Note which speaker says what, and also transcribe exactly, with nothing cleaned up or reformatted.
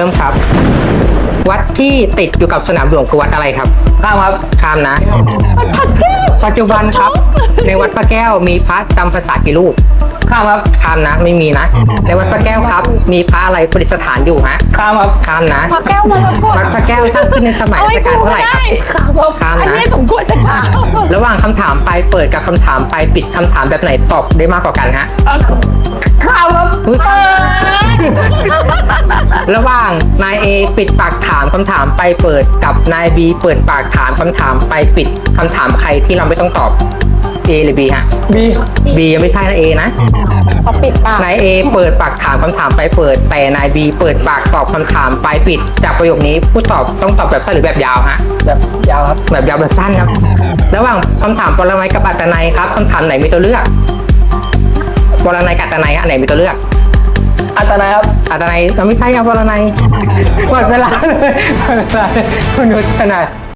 Speaker 1: ริ่มครับ วัดที่ติดอยู่กับสนามหลวงคือวัดอะไรครับข้ามครับข้ามนะปัจจุบันครับ ในวัดพระแก้วมีพระจำพรรษากี่รูปข้ามครับข้ามนะไม่มีนะในวัดพระแก้วครับมีพระอะไรประดิษฐานอยู่ฮะข้ามครับข้ามนะ
Speaker 2: พระแก้วมรกต
Speaker 1: วัดพระแก้วสร้างขึ้นในสมัยรัชกาลเท่าไหร่ครับข้าม
Speaker 2: อัน
Speaker 1: นะ
Speaker 2: นี้สมควรจะถาม
Speaker 1: ระหว่างคำถามปลายเปิดกับคำถามปลายปิดคำถามแบบไหนตอบได้มากกว่ากันฮะ
Speaker 2: ข้าวครับ
Speaker 1: อุ๊ยระหว่างนาย A ปิดปากถามคำถามไปเปิดกับนาย B เปิดปากถามคำถามไปปิดคำถามใครที่เราไม่ต้องตอบ A หรือ B ฮะ B B ยังไม่ใช่นะ A นะ
Speaker 2: เขาปิดปาก
Speaker 1: นาย A เปิดปากถามคำถามไปเปิดแต่นาย B เปิดปากตอบคำถามไปปิดจากประโยคนี้ผู้ตอบต้องตอบแบบสั้นหรือแบบยาวฮะแบบยาวครับแบบยาวแบบสั้นครับระหว่างคำถามปรมัยกับอัตนัยครับคำถามไหนมีตัวเลือกปรนัยกับอัตนัยอันไหนมีตัวเลือกอัตนัยครับอัตนัยเราไม่ใช่ครับปรนัยหมดเวลาเลยหมดเวลาเลยคุณนุชขนาด